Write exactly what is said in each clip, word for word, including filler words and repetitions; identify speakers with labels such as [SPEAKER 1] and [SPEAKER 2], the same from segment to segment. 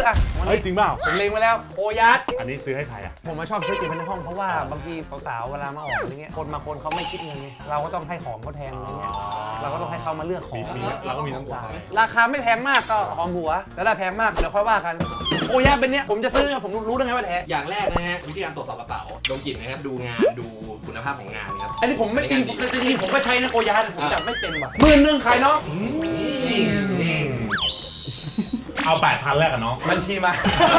[SPEAKER 1] อ่ะ
[SPEAKER 2] เฮ้ยจริงเปล่า
[SPEAKER 1] ผมเล็งไว้แล้วโคยัด
[SPEAKER 2] อันนี้ซื้อให้ใครอ่ะ
[SPEAKER 1] ผมมาชอบซื้อกินในห้องเพราะว่าบางทีสาวๆเวลามาออกอะไรเงี้ยคนบางคนเขาไม่คิดเงินไงเราก็ต้องให้ของเขาแทนอะไรเงี้ยเราก็ต้องให้เขามาเลือกของ
[SPEAKER 2] มีเราก็มีน้ำใจ
[SPEAKER 1] ราคาไม่แพงมากก็หอมหัวแต่ถ้าแพงมากเดี๋ยวค่อยว่ากันโอ้ยเป็นเนี้ยผมจะซื้อผมรู้ได้ไงว่าแท้
[SPEAKER 3] อย่างแรกนะฮะวิธีการตรวจสอบกระเป๋าดมกลิ่นนะครับดูงานดูคุณภาพของงานครับ
[SPEAKER 1] อันนี้ผมไม่จริงจริงผมก็ใช้นะโกยาแต่ผมจับไม่เป็นว่ะหมื่นหนึ่งขายเนาะ
[SPEAKER 2] เอาแปดพันแรกกันน้อง
[SPEAKER 1] บัญชีมา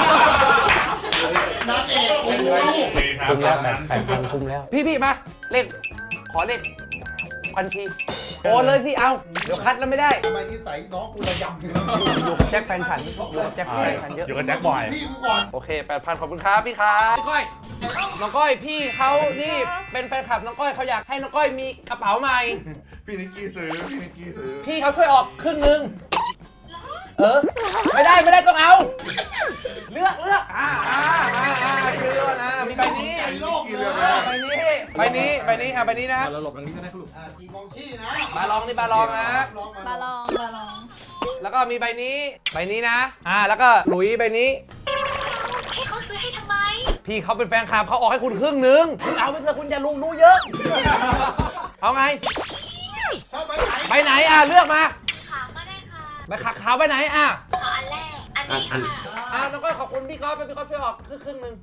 [SPEAKER 4] นักเอกโอ้โห
[SPEAKER 1] คุ้มแล้วแปดแปดพันคุ้มแล้วพี่พี่มาเลขขอเลขบัญชีโอนเลยพี่เอาเดี๋ยวคัดแล้วไม่ได้
[SPEAKER 4] ทำไมนิสัยน้องกูระยำ
[SPEAKER 1] อยู่กับแจ็คแฟนฉันอยู่กับแจ็คแฟนฉันเยอะ
[SPEAKER 2] อยู่กับแจ็คบอย
[SPEAKER 4] พี่กูก่อน
[SPEAKER 1] โอเคแปดพันขอบคุณครับพี่ครับพี่ก้อยน้องก้อยพี่เขานี่เป็นแฟนคลับน้องก้อยเขาอยากให้น้องก้อยมีกระเป๋าใหม่
[SPEAKER 5] พี่นิกกี้ซื้อ พี่นิกกี้ซื้อ
[SPEAKER 1] พี่เขาช่วยออกครึ่งนึงเออไม่ได้ไม่ได้ต้องเอาเลือกเลือกอ่าอ่าอ่าอ่าพี่ดูก่อนนะมีใบนี้
[SPEAKER 4] ไอ้โลกเลย
[SPEAKER 1] ใบนี้ใบนี้ใบนี้อ่ะใบนี้นะ
[SPEAKER 3] เราหลบตรงนี้ก็ได้ครับลูก
[SPEAKER 4] อ่าตีกองขี้นะ
[SPEAKER 1] บาลองนี่บาลองนะ
[SPEAKER 4] ลอง
[SPEAKER 6] บา
[SPEAKER 4] มา
[SPEAKER 6] ลองบาลอง
[SPEAKER 1] แล้วก็มีใบนี้ใบนี้นะอ่าแล้วก็หลุยใบนี้
[SPEAKER 6] ให้เขาซื้อให้ทำไม
[SPEAKER 1] พี่เขาเป็นแฟนคลับเขาออกให้คุณครึ่งนึงคุณเอาไปเถอะคุณอย่าลุงรู้เยอะเอาไง
[SPEAKER 4] ชอบไปไหน
[SPEAKER 1] ไปไหนอ่ะเลือกมา
[SPEAKER 6] ขาวก็ได้ค่ะ
[SPEAKER 1] ไปขักขาวไปไหนอ่ะ
[SPEAKER 6] ขออันแรก อันนี้ค่ะ
[SPEAKER 1] อ่ะน้องก้อยขอบคุณพี่ก๊อฟพี่ก๊อฟช่วยออกครึ่งครึ่งนึง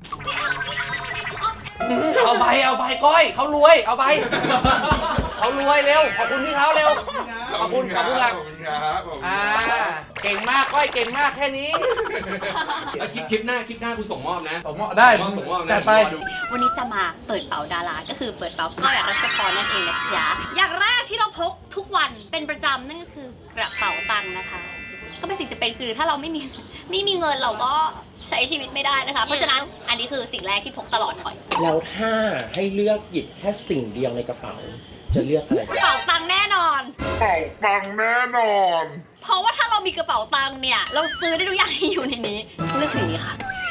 [SPEAKER 1] เอาใบเอาใบก้อยเขารวยเอาใบเขารวยเร็วขอบคุณพี่เขาเร็วขอบคุณขอบคุณหลัก
[SPEAKER 5] ขอบคุณครับขอบคุณ
[SPEAKER 1] อ่าเก่งมากก้อยเก่งมากแค่นี้
[SPEAKER 3] แล้วคลิปคลิปหน้าคลิปหน้าคุณส่งมอบนะ
[SPEAKER 1] ผมได้
[SPEAKER 3] ส่งมอบนะ
[SPEAKER 1] จัดไป
[SPEAKER 6] วันนี้จะมาเปิดเป๋าดารา ก็คือเปิดเป๋าก้อยรัชพรนั่นเองนะจ๊ะ อย่างแรกที่เราพกทุกวันเป็นประจำนั่นก็คือกระเป๋าตังค์นะคะ ก็เป็นสิ่งจะเป็นคือถ้าเราไม่มีไม่มีเงินเราก็ใช้ชีวิตไม่ได้นะคะ เพราะฉะนั้นอันนี้คือสิ่งแรกที่พกตลอดหน่อย
[SPEAKER 7] แล้วถ้าให้เลือกหยิบแค่สิ่งเดียวในกระเป๋า จะเลือกอะไร
[SPEAKER 6] กระเป๋าตังค์แน่นอน
[SPEAKER 5] เป่าปังแน่นอน
[SPEAKER 6] เพราะว่าถ้าเรามีกระเป๋าตังค์เนี่ย เราซื้อได้ทุกอย่างที่อยู่ในนี้เลือกสิ่งนี้ค่ะ